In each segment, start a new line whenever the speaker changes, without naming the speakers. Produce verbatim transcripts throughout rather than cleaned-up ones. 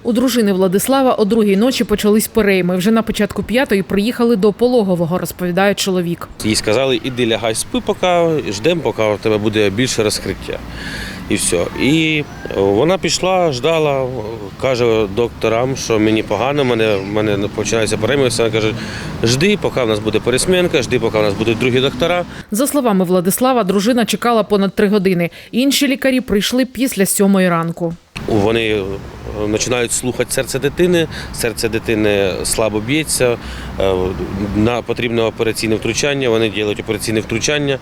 У дружини Владислава о другій ночі почались перейми. Вже на початку п'ятої приїхали до пологового, розповідає чоловік.
Їй сказали, іди лягай, спи поки, ждемо, поки у тебе буде більше розкриття. І все. І вона пішла, ждала, каже докторам, що мені погано, мене, мене починається перейми. Вона каже, жди, поки в нас буде пересмінка, жди, поки в нас будуть другі доктора.
За словами Владислава, дружина чекала понад три години. Інші лікарі прийшли після сьомої ранку.
Вони починають слухати серце дитини, серце дитини слабо б'ється, на потрібне операційне втручання, вони роблять операційне втручання.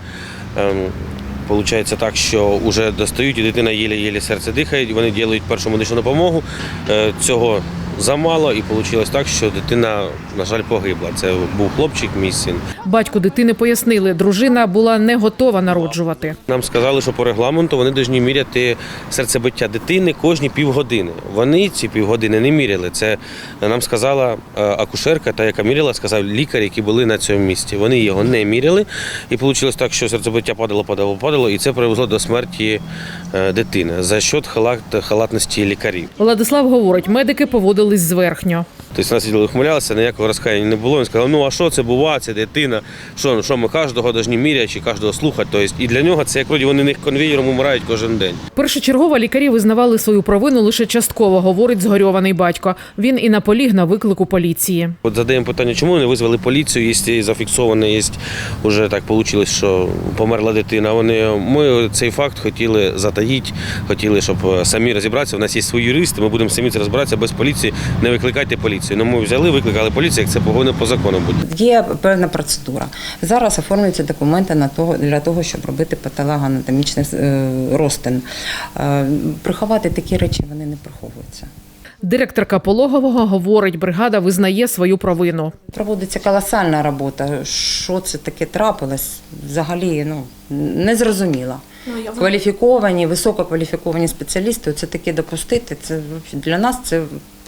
Получається так, що вже достають, і дитина єле-єле серце дихає, вони роблять першу медичну допомогу. Цього замало, і вийшло так, що дитина, на жаль, погибла. Це був хлопчик, мій син.
Батьку дитини пояснили, дружина була не готова народжувати.
Нам сказали, що по регламенту вони повинні міряти серцебиття дитини кожні півгодини. Вони ці півгодини не міряли. Це нам сказала акушерка, та яка міряла, сказав лікар, які були на цьому місці. Вони його не міряли, і вийшло так, що серцебиття падало, падало, падало, і це привело до смерті дитини за счет халатності лікарів.
Владислав говорить, медики поводились зверхньо.
Тобто нас сиділи, ухмилялися, ніякого розкаяння не було. Він сказав, ну а що це бува, це дитина, що, що ми кожного повинні міряти чи кожного слухати. Тобто, і для нього це як вроді вони них конвеєром умирають кожен день.
Першочергово лікарі визнавали свою провину лише частково, говорить згорьований батько. Він і наполіг на виклику поліції.
От задаємо питання, чому не визвали поліцію, якщо зафіксовано, є, вже так вийшло, що померла дитина. Вони, ми цей факт хотіли затаїти, хотіли, щоб самі розібратися. У нас є свої юристи, ми будемо самі це розбиратися без поліції, не викликайте поліцію. Ну, ми взяли, викликали поліцію, як це повинно по закону буде.
Є певна процедура. Зараз оформлюються документи на того, для того, щоб робити патологоанатомічний розтин. Приховати такі речі, вони не приховуються.
Директорка пологового говорить, бригада визнає свою провину.
Проводиться колосальна робота. Що це таке трапилось, взагалі ну, не зрозуміло. Кваліфіковані, висококваліфіковані спеціалісти, це таке допустити, це для нас це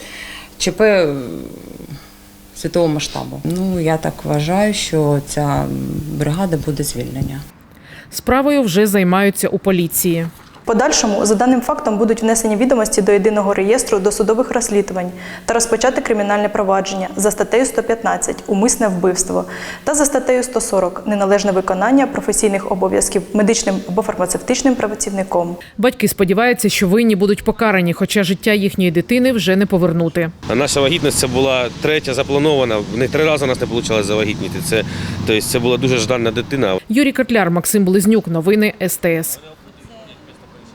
ЧП світового масштабу. Ну, я так вважаю, що ця бригада буде звільнення.
Справою вже займаються у поліції.
В подальшому за даним фактом будуть внесені відомості до єдиного реєстру досудових розслідувань та розпочати кримінальне провадження за статтею сто п'ятнадцять «Умисне вбивство» та за статтею сто сорок «Неналежне виконання професійних обов'язків медичним або фармацевтичним працівником».
Батьки сподіваються, що винні будуть покарані, хоча життя їхньої дитини вже не повернути.
А наша вагітність це була третя запланована, не три рази у нас не вийшло завагітніти. Це, тобто, це була дуже ждана дитина.
Юрій Котляр, Максим Близнюк. Новини ес те ес.